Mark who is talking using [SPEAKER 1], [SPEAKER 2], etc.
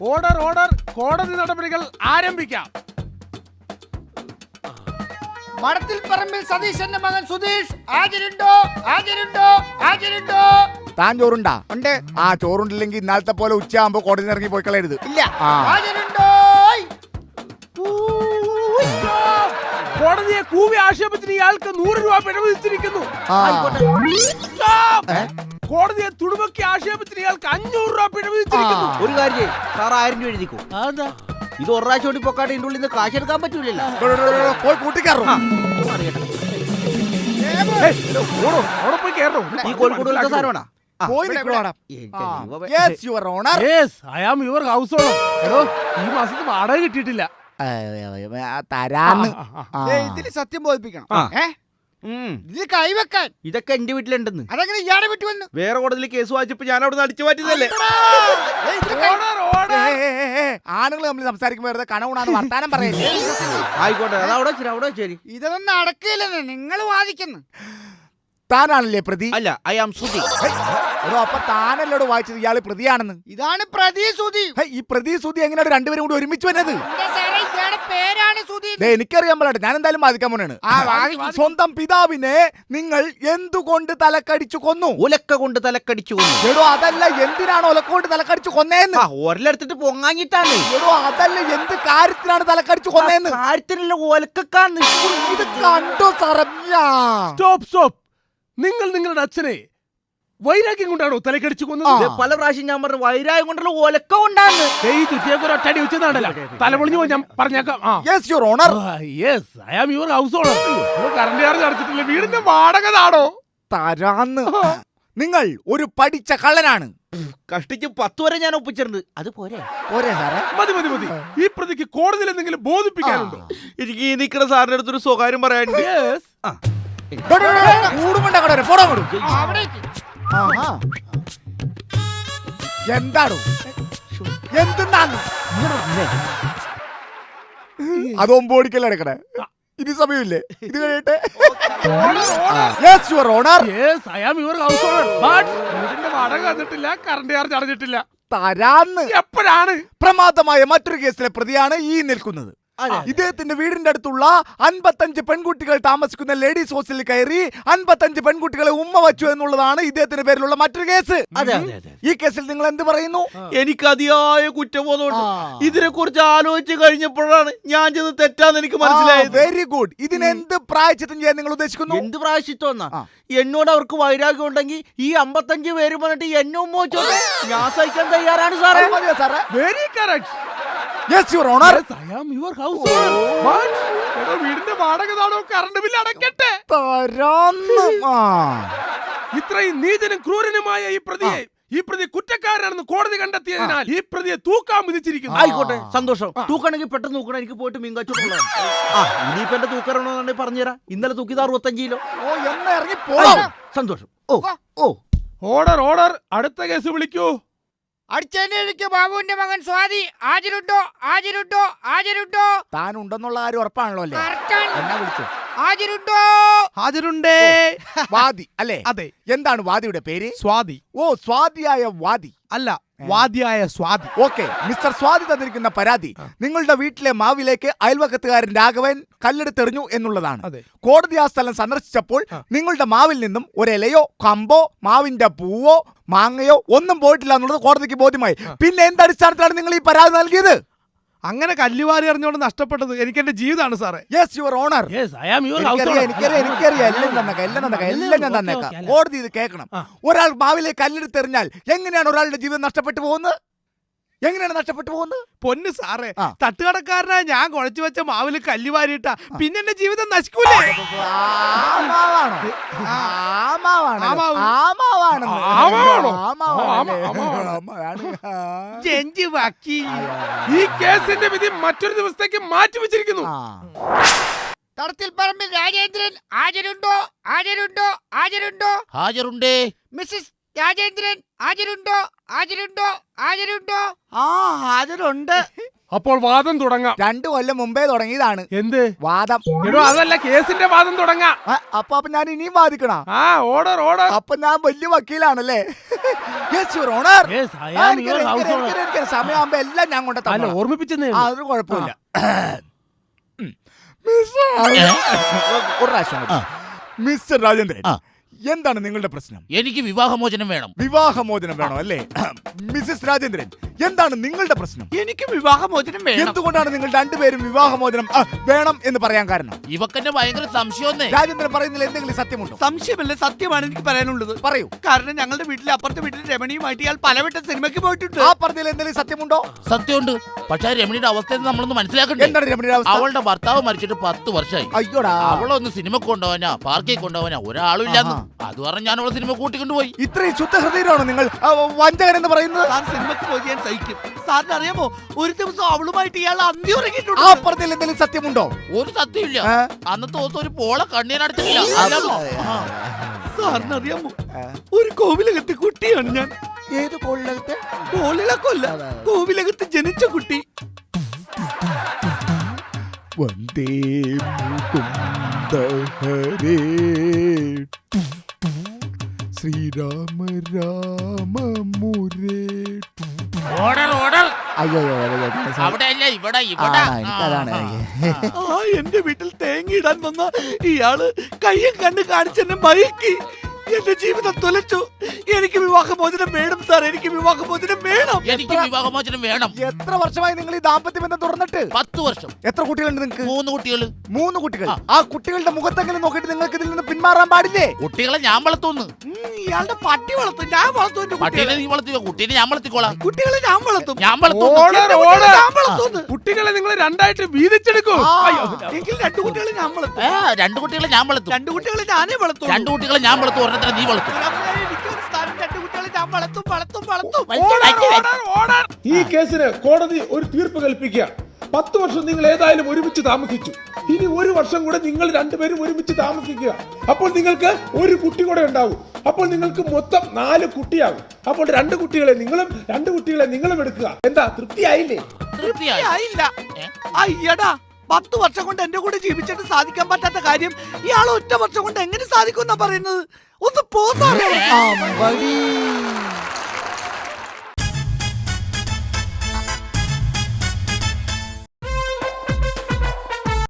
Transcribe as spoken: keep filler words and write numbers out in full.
[SPEAKER 1] Order order കോടതി നടപടികൾ ആരംഭിക്കാം.
[SPEAKER 2] മടത്തിൽ പറമ്പിൽ സതീശന്റെ മകൻ സുധീഷ് ഹാജരുണ്ടോ? ഹാജരുണ്ടോ? ഹാജരുണ്ടോ?
[SPEAKER 3] താൻ ചോറുണ്ടാ?
[SPEAKER 2] ഉണ്ട്.
[SPEAKER 3] ആ ചോറുണ്ടില്ലെങ്കിൽ ഇന്നാളത്തെ പോലെ ഉച്ചയാകുമ്പോ കോടതി ഇറങ്ങി പോയി കളയരുത്.
[SPEAKER 2] ഇല്ല. ഹാജരുണ്ടോ?
[SPEAKER 1] കോടതിയെ കൂവി ആക്ഷേപത്തിന് ഇയാൾക്ക് നൂറ് രൂപ പിഴ വിധിച്ചിരിക്കുന്നു. കോടതിയെ തുടുമക്കി ആക്ഷേപത്തിന് ഇയാൾക്ക് അഞ്ഞൂറ് രൂപ പിഴ വിധിച്ചിരിക്കുന്നു.
[SPEAKER 4] ഒരു കാര്യം സാർ ആയിരം രൂപ എഴുതിക്കോ. ഇത് ഒരു പ്രാവശ്യം കൂടി പൊക്കാട്ട് ഇതിന്റെ ഉള്ളിൽ നിന്ന് കാശ് എടുക്കാൻ പറ്റൂലല്ലോ.
[SPEAKER 3] പോയി കൂട്ടിക്കാറോ?
[SPEAKER 1] പോയി കയറോ?
[SPEAKER 4] ഈ കോഴിക്കോട് സാധനമാണോ?
[SPEAKER 1] ഈ മാസത്തെ വാടക കിട്ടിയിട്ടില്ല.
[SPEAKER 3] തരാന്ന്
[SPEAKER 2] ഇതില് സത്യം ബോധിപ്പിക്കണം. ഇതിൽ കൈവെക്കാൻ
[SPEAKER 4] ഇതൊക്കെ എന്റെ വീട്ടിലുണ്ടെന്ന്.
[SPEAKER 2] അതെങ്ങനെ ഇയാളെ വിട്ടു വന്നു?
[SPEAKER 4] വേറെ കോടതിയിൽ കേസ് വായിച്ചപ്പോ ഞാൻ അവിടെ അടിച്ചു മാറ്റിയതല്ലേ.
[SPEAKER 3] ആണുങ്ങൾ തമ്മിൽ സംസാരിക്കുമ്പോ വെറുതെ കണവുണാന്ന് വർത്താനം പറയല്ലേ.
[SPEAKER 4] ആയിക്കോട്ടെ, അതവിടെ ശരി, അവിടെ ശരി.
[SPEAKER 2] ഇതൊന്നും നടക്കില്ലെന്ന് നിങ്ങൾ വാദിക്കുന്നു.
[SPEAKER 3] താനാണല്ലേ പ്രതി?
[SPEAKER 4] അല്ല, ഐ ആം സുധി.
[SPEAKER 3] അപ്പൊ താനല്ലോട് വായിച്ചത് ഇയാള് പ്രതിയാണെന്ന്.
[SPEAKER 2] ഇതാണ് പ്രതി സുധി.
[SPEAKER 3] ഈ പ്രതി സുധി എങ്ങനെയാണ് രണ്ടുപേരും കൂടി ഒരുമിച്ച് വന്നത്?
[SPEAKER 2] പേരാണ് സുധി.
[SPEAKER 3] എനിക്കറിയാൻ പാടില്ല, ഞാൻ എന്തായാലും ബാധിക്കാൻ പോണാണ്. സ്വന്തം പിതാവിനെ നിങ്ങൾ എന്തുകൊണ്ട് തലക്കടിച്ചു കൊന്നു?
[SPEAKER 4] ഒലക്ക കൊണ്ട് തലക്കടിച്ചു കൊന്നു.
[SPEAKER 3] എടോ അതല്ല, എന്തിനാണ് ഒലക്ക കൊണ്ട് തലക്കടിച്ചു കൊന്നേന്ന്?
[SPEAKER 4] ഒരെടുത്തിട്ട് പൊങ്ങാഞ്ഞിട്ടാണ്.
[SPEAKER 3] എടോ അതല്ല, എന്ത് കാര്യത്തിനാണ് തലക്കടിച്ചു കൊന്നേന്ന്?
[SPEAKER 4] കാര്യത്തിനുള്ള ഒലക്കാന്ന്.
[SPEAKER 3] ഇത് കണ്ടോ സാറല്ല?
[SPEAKER 1] Stop stop. നിങ്ങൾ നിങ്ങളുടെ അച്ഛനെ വൈരാഗ്യം കൊണ്ടാണോ തലക്കടിച്ചു കൊന്നത്?
[SPEAKER 4] പല പ്രാവശ്യം ഞാൻ പറഞ്ഞു വൈരാഗ്യം കൊണ്ടുള്ള ഒലക്ക കൊണ്ടാണ്.
[SPEAKER 1] ഈ ചുറ്റിയൊക്കെ ഒറ്റടി വെച്ചതാണല്ലോ. തലപൊളിഞ്ഞു പോയി ഞാൻ പറഞ്ഞേക്കാം.
[SPEAKER 3] Yes your honour.
[SPEAKER 1] Yes, I am your house owner. Current charge അടച്ചിട്ടില്ല, വീടിന്റെ വാടക താടോ
[SPEAKER 3] തരാന്ന്. നിങ്ങൾ ഒരു പഠിച്ച കള്ളനാണ്.
[SPEAKER 4] കഷ്ടിച്ച് പത്ത് വരെ ഞാൻ ഒപ്പിച്ചിട്ടുണ്ട്. അത് പോരെ?
[SPEAKER 3] പോരെ സാറേ?
[SPEAKER 1] മതി മതി മതി. ഈ പ്രതിക്ക് കോടതിയിൽ എന്തെങ്കിലും ബോധിപ്പിക്കാനുണ്ടോ?
[SPEAKER 4] എനിക്ക് ഈ നിൽക്കുന്ന സാറിന്റെ അടുത്തൊരു സ്വകാര്യം പറയാനുണ്ട്.
[SPEAKER 3] എന്താണോ എന്തെന്നാണ് അതൊമ്പ് ഓടിക്കല്ലേ എടുക്കണേ? ഇനി സമയമില്ലേ? ഇത് കഴിയട്ടെ. Yes your honour.
[SPEAKER 1] Yes, I am your house owner. But വീടിന്റെ വാടക തന്നിട്ടില്ല, കറണ്ട് ചാർജ് അടച്ചിട്ടില്ല.
[SPEAKER 3] തരാന്ന്.
[SPEAKER 1] എപ്പോഴാണ്?
[SPEAKER 3] പ്രമാദമായ മറ്റൊരു കേസിലെ പ്രതിയാണ് ഈ നിൽക്കുന്നത്. ഇദ്ദേഹത്തിന്റെ വീടിന്റെ അടുത്തുള്ള അൻപത്തഞ്ച് പെൺകുട്ടികൾ താമസിക്കുന്ന ലേഡീസ് ഹോസ്റ്റലിൽ കയറി അൻപത്തഞ്ച് പെൺകുട്ടികളെ ഉമ്മ വച്ചു എന്നുള്ളതാണ് ഇദ്ദേഹത്തിന്റെ പേരിലുള്ള മറ്റൊരു കേസ്. ഈ കേസിൽ നിങ്ങൾ എന്ത് പറയുന്നു?
[SPEAKER 4] എനിക്ക് അതിയായ കുറ്റബോധമുണ്ട്. ഇതിനെ കുറിച്ച് ആലോചിച്ച് കഴിഞ്ഞപ്പോഴാണ് ഞാൻ ചെന്ന് തെറ്റാന്ന് എനിക്ക് മനസ്സിലായത്.
[SPEAKER 3] Very good. ഇതിന് എന്ത് പ്രായശ്ചിത്തം ചെയ്യാൻ നിങ്ങൾ ഉദ്ദേശിക്കുന്നു?
[SPEAKER 4] എന്ത് പ്രായശ്ചിത്തം എന്നാ? എന്നോട് അവർക്ക് വൈരാഗ്യം ഉണ്ടെങ്കിൽ ഈ അമ്പത്തഞ്ച് പേര് പറഞ്ഞിട്ട് എന്നെ ഉമ്മ വെച്ചോട്ടെ, ഞാൻ സഹിക്കാൻ തയ്യാറാണ് സാറേ.
[SPEAKER 1] Very correct.
[SPEAKER 3] Yes your honour.
[SPEAKER 1] I am your house owner. വീടിന്റെ വാടക താടോ, കറണ്ട് ബില്ല് അടക്കട്ടെ. ഇത്രയും നീചനും ക്രൂരനുമായ ഈ പ്രതിയെ ഈ പ്രതി കുറ്റക്കാരനാണെന്ന് കോടതി കണ്ടെത്തിയതിനാൽ ഈ പ്രതിയെ തൂക്കാൻ വിധിച്ചിരിക്കുന്നു.
[SPEAKER 4] ആയിക്കോട്ടെ, സന്തോഷം. തൂക്കണമെങ്കിൽ പെട്ടെന്ന് തൂക്കണം. എനിക്ക് പോയിട്ട് മീൻ കച്ചവടം. ആ ഇനിയിപ്പോ എന്റെ തൂക്കണമെന്നുണ്ടെങ്കിൽ പറഞ്ഞുതരാം. ഇന്നലെ തൂക്കിയത് അറുപത്തഞ്ച് കിലോ.
[SPEAKER 3] ഓ എന്ന് ഇറങ്ങി പോകാം.
[SPEAKER 4] സന്തോഷം. ഓ ഓ
[SPEAKER 1] ഓർഡർ ഓർഡർ. അടുത്ത കേസ് വിളിക്കൂ.
[SPEAKER 2] അടിച്ചേക്ക് ബാബുവിന്റെ മകൻ സ്വാതി ഹാജരുണ്ടോ? ഹാജരുണ്ടോ? ഹാജരുണ്ടോ?
[SPEAKER 3] താൻ ഉണ്ടെന്നുള്ള കാര്യം ഉറപ്പാണല്ലോ അല്ലേ? എന്നാ വിളിച്ചു?
[SPEAKER 2] ഹാജരുണ്ടോ?
[SPEAKER 1] ഹാജരുണ്ടേ.
[SPEAKER 3] വാദി അല്ലേ?
[SPEAKER 1] അതെ.
[SPEAKER 3] എന്താണ് വാദിയുടെ പേര്?
[SPEAKER 1] സ്വാതി.
[SPEAKER 3] ഓ, സ്വാതിയായ വാദി
[SPEAKER 1] അല്ല, വാദിയായ സ്വാതി.
[SPEAKER 3] ഓക്കെ മിസ്റ്റർ സ്വാതി തന്നിരിക്കുന്ന പരാതി നിങ്ങളുടെ വീട്ടിലെ മാവിലേക്ക് അയൽവക്കത്തുകാരൻ രാഘവൻ കല്ലെടുത്തെറിഞ്ഞു എന്നുള്ളതാണ്. കോടതി ആ സ്ഥലം സന്ദർശിച്ചപ്പോൾ നിങ്ങളുടെ മാവിൽ നിന്നും ഒരിലയോ കമ്പോ മാവിന്റെ പൂവോ മാങ്ങയോ ഒന്നും പോയിട്ടില്ല എന്നുള്ളത് കോടതിക്ക് ബോധ്യമായി. പിന്നെ എന്തടിസ്ഥാനത്തിലാണ് നിങ്ങൾ ഈ പരാതി നൽകിയത്?
[SPEAKER 1] അങ്ങനെ കല്ലുവാരി അറിഞ്ഞുകൊണ്ട് നഷ്ടപ്പെട്ടത് എനിക്ക് എന്റെ ജീവിതമാണ് സാറേ.
[SPEAKER 3] Yes your honour. കോടതി ഇത് കേൾക്കണം. ഒരാൾ മാവിലേക്ക് കല്ലെടുത്തെറിഞ്ഞാൽ എങ്ങനെയാണ് ഒരാളുടെ ജീവിതം നഷ്ടപ്പെട്ടു പോകുന്നത്? എങ്ങനെയാണ് നഷ്ടപ്പെട്ടു പോകുന്നത്?
[SPEAKER 1] പൊന്ന് സാറേ, തട്ടുകടക്കാരനായ ഞാൻ കുഴച്ചു വെച്ച മാവില് കല്ല് വാരിയിട്ട പിന്നെ എന്റെ ജീവിതം നശിക്കൂലേ? ഈ കേസിന്റെ വിധി മറ്റൊരു ദിവസത്തേക്ക് മാറ്റി വെച്ചിരിക്കുന്നു.
[SPEAKER 2] തടത്തിൽ പറമ്പിൽ രാജേന്ദ്രൻ ഹാജരുണ്ടോ? ഹാജരുണ്ടോ? ഹാജരുണ്ടോ?
[SPEAKER 4] ഹാജരുണ്ടേ.
[SPEAKER 2] മിസ്സസ് രാജേന്ദ്രൻ ഹാജരുണ്ടോ? ഹാജരുണ്ടോ? ഹാജരുണ്ടോ?
[SPEAKER 4] ആ ഹാജരുണ്ട്.
[SPEAKER 1] അപ്പോൾ വാദം തുടങ്ങാം.
[SPEAKER 3] രണ്ടു കൊല്ലം മുമ്പേ തുടങ്ങിയതാണ്.
[SPEAKER 1] എന്ത്
[SPEAKER 3] വാദം?
[SPEAKER 1] എടോ അതല്ല, കേസിന്റെ വാദം തുടങ്ങാം.
[SPEAKER 3] ആ, അപ്പൊ അപ്പൊ ഞാൻ ഇനിയും വാദിക്കണ?
[SPEAKER 1] ആ ഓർഡർ ഓർഡർ.
[SPEAKER 3] അപ്പൊ ഞാൻ വലിയ വക്കീലാണല്ലേ? Yes, your honor.
[SPEAKER 1] Yes, I am
[SPEAKER 3] ആ,
[SPEAKER 1] your
[SPEAKER 3] എനിക്കറിയാം,
[SPEAKER 1] house
[SPEAKER 3] എനിക്കറിയാം,
[SPEAKER 1] owner.
[SPEAKER 3] എനിക്കറിയാം. സമയമാകുമ്പോ എല്ലാം ഞാൻ കൊണ്ട്
[SPEAKER 1] അല്ല ഓർമ്മിപ്പിച്ചെന്നേ
[SPEAKER 3] ആ, അതൊരു കുഴപ്പമില്ല. മിസ്റ്റർ ഒരു പ്രാവശ്യം കൂടി. മിസ്റ്റർ രാജേന്ദ്രൻ, എന്താണ് നിങ്ങളുടെ പ്രശ്നം?
[SPEAKER 5] എനിക്ക് വിവാഹമോചനം വേണം.
[SPEAKER 3] വിവാഹമോചനം വേണോ അല്ലേ? മിസസ് രാജേന്ദ്രൻ, എന്താണ് നിങ്ങളുടെ പ്രശ്നം?
[SPEAKER 4] എനിക്ക് വിവാഹമോചനം വേണം.
[SPEAKER 3] എന്തുകൊണ്ടാണ് നിങ്ങൾ രണ്ടുപേരും വിവാഹമോചനം ആ, വേണം എന്ന് പറയാൻ കാരണം?
[SPEAKER 5] ഇവക്കെന്നെ ഭയങ്കര സംശയമൊന്നേ.
[SPEAKER 3] രാജേന്ദ്രൻ പറയുന്നതിൽ എന്തെങ്കിലും സത്യമുണ്ടോ?
[SPEAKER 4] സംശയമല്ല, സത്യമാണ് എനിക്ക് പറയാനുള്ളത്.
[SPEAKER 3] പറയൂ.
[SPEAKER 4] കാരണം ഞങ്ങളുടെ വീട്ടിലെ അപ്പുറത്തെ വീട്ടിൽ രമണിയുമായിട്ട് ഇയാൾ പലവട്ടം സിനിമയ്ക്ക് പോയിട്ടുണ്ട്.
[SPEAKER 3] ആ പറഞ്ഞതിൽ എന്തെങ്കിലും സത്യമുണ്ടോ?
[SPEAKER 5] സത്യമുണ്ട്. പക്ഷെ രമണിയുടെ അവസ്ഥ നമ്മളൊന്ന് മനസ്സിലാക്കണ്ടേ?
[SPEAKER 3] എന്താണ് രമണിയുടെ അവസ്ഥ?
[SPEAKER 5] അവളുടെ ഭർത്താവ് മരിച്ചിട്ട് പത്ത് വർഷമായി.
[SPEAKER 3] അയ്യോടാ,
[SPEAKER 5] അവളൊന്ന് സിനിമക്ക് കൊണ്ടുപോവാനാ പാർക്കിൽ കൊണ്ടുപോവാനാ ഒരാളും ഇല്ലാന്ന്. അത് പറഞ്ഞ് ഞാൻ അവളെ സിനിമ കൂട്ടിക്കൊണ്ടുപോയി.
[SPEAKER 3] ഇത്രയും ശുദ്ധഹൃദയരാണോ നിങ്ങൾ ആ, വഞ്ചകൻ എന്ന് പറയുന്നത്?
[SPEAKER 4] സാർ സിനിമയ്ക്ക് പോയി ഞാൻ സഹിക്കും. സാറിന് അറിയാമോ, ഒരു ദിവസം അവളുമായിട്ട് ഇയാൾ അന്തി
[SPEAKER 3] ആ
[SPEAKER 4] ഉറങ്ങിയിട്ടുണ്ട്.
[SPEAKER 3] പറഞ്ഞതിൽ എന്തെങ്കിലും സത്യമുണ്ടോ?
[SPEAKER 5] ഒരു സത്യമില്ല.
[SPEAKER 3] ആ?
[SPEAKER 5] അന്നത്തെ ദിവസം ഒരു പോള കണ്ണീനടച്ചിട്ടില്ല.
[SPEAKER 4] സാറിന് അറിയാമോ, ഒരു കോവിലകത്ത് കുട്ടിയാണ് ഞാൻ.
[SPEAKER 3] ഏത് കോളിലകത്ത്?
[SPEAKER 4] കോളിളക്കല്ല, കോവിലകത്ത് ജനിച്ച കുട്ടി.
[SPEAKER 3] വന്ദേ മുകുന്ദ ഹരേ ശ്രീരാമ രാമ മുരേ.
[SPEAKER 5] Order order.
[SPEAKER 3] അയ്യോ അയ്യോ, അയ്യോ, അയ്യോ, sorry.
[SPEAKER 5] അവിടെ അല്ല ഇവിടെ
[SPEAKER 3] ആ,
[SPEAKER 5] ഇവിടെ.
[SPEAKER 3] എനിക്കതാണ്.
[SPEAKER 4] ആ എന്റെ വീട്ടിൽ തേങ്ങ ഇടാൻ വന്ന ഇയാള് കയ്യും കണ്ട് കാണിച്ചെന്നെ മയക്കി എന്റെ ജീവിതം തുലച്ചു. എനിക്ക് വിവാഹമോചനം വേണം സാർ, എനിക്ക് വിവാഹമോചനം വേണം.
[SPEAKER 5] എനിക്ക് വിവാഹമോചനം വേണം.
[SPEAKER 3] എത്ര വർഷമായി നിങ്ങൾ ഈ ദാമ്പത്യ ബന്ധം തുറന്നിട്ട്?
[SPEAKER 5] പത്ത് വർഷം.
[SPEAKER 3] എത്ര കുട്ടികളുണ്ട് നിങ്ങൾക്ക്?
[SPEAKER 5] മൂന്ന് കുട്ടികള്.
[SPEAKER 3] മൂന്ന് കുട്ടികൾ. ആ കുട്ടികളുടെ മുഖത്തെങ്കിലും നോക്കിയിട്ട് നിങ്ങൾക്ക് ഇതിൽ നിന്ന് പിന്മാറാൻ പാടില്ലേ?
[SPEAKER 5] കുട്ടികളെ ഞാൻ വളർത്തുന്നു.
[SPEAKER 4] ഉം, ഇയാളുടെ പട്ടി വളർത്തും, ഞാൻ വളർത്തും എന്റെ
[SPEAKER 5] പട്ടീനെ
[SPEAKER 4] കുട്ടികളെ.
[SPEAKER 5] നീ വളർത്തിക്കോ, കുട്ടീനെ ഞാൻ വളർത്തിക്കോളാം.
[SPEAKER 4] കുട്ടികളെ ഞാൻ വളർത്തും.
[SPEAKER 5] ഞാൻ വളർത്തുന്നു.
[SPEAKER 1] ഓർഡർ
[SPEAKER 4] എന്റെ
[SPEAKER 1] ഓർഡർ.
[SPEAKER 4] കുട്ടികളെ ഞാൻ വളർത്തുന്നു.
[SPEAKER 1] കുട്ടികളെ നിങ്ങൾ രണ്ടായിട്ട് വീതിച്ചെടുക്കൂ.
[SPEAKER 3] ആ.
[SPEAKER 1] അയ്യോ.
[SPEAKER 4] എങ്കിൽ രണ്ടു കുട്ടികളെ ഞാൻ വളർത്തും.
[SPEAKER 5] ഏ, രണ്ട് കുട്ടികളെ ഞാൻ വളർത്തും.
[SPEAKER 4] രണ്ടു കുട്ടികളെ ഞാനേ വളർത്തും.
[SPEAKER 5] രണ്ട് കുട്ടികളെ ഞാൻ വളർത്തും, ഒരെണ്ണത്തിനെ നീ വളർത്തും.
[SPEAKER 4] എനിക്കൊരു സ്ഥാനം, രണ്ടു കുട്ടികളെ ഞാൻ വളർത്തും വളർത്തും വളർത്തും.
[SPEAKER 1] Order order order. ഈ കേസിന് കോടതി ഒരു തീർപ്പ് കൽപ്പിക്കുക. പത്ത് വർഷം നിങ്ങൾ ഏതായാലും ഒരുമിച്ച് താമസിച്ചു. ഇനി ഒരു വർഷം കൂടെ നിങ്ങൾ രണ്ടുപേരും ഒരുമിച്ച് താമസിക്കുക. അപ്പോൾ നിങ്ങൾക്ക് ഒരു കുട്ടി കൂടെ ഉണ്ടാവും. അപ്പോൾ നിങ്ങൾക്ക് മൊത്തം നാല് കുട്ടിയാകും. അപ്പോൾ രണ്ട് കുട്ടികളെ നിങ്ങളും രണ്ട് കുട്ടികളെ നിങ്ങളും എടുക്കുക. എന്താ, തൃപ്തിയായില്ലേ?
[SPEAKER 5] തൃപ്തിയായി.
[SPEAKER 4] ആയില്ല. അയ്യടാ, പത്ത് വർഷം കൊണ്ട് എന്റെ കൂടെ ജീവിച്ചിട്ട് സാധിക്കാൻ പറ്റാത്ത കാര്യം ഇയാൾ ഒറ്റ വർഷം കൊണ്ട് എങ്ങനെ സാധിക്കും എന്നാ പറയുന്നത്? ഒന്ന് പോസാ.
[SPEAKER 3] അമ്പടി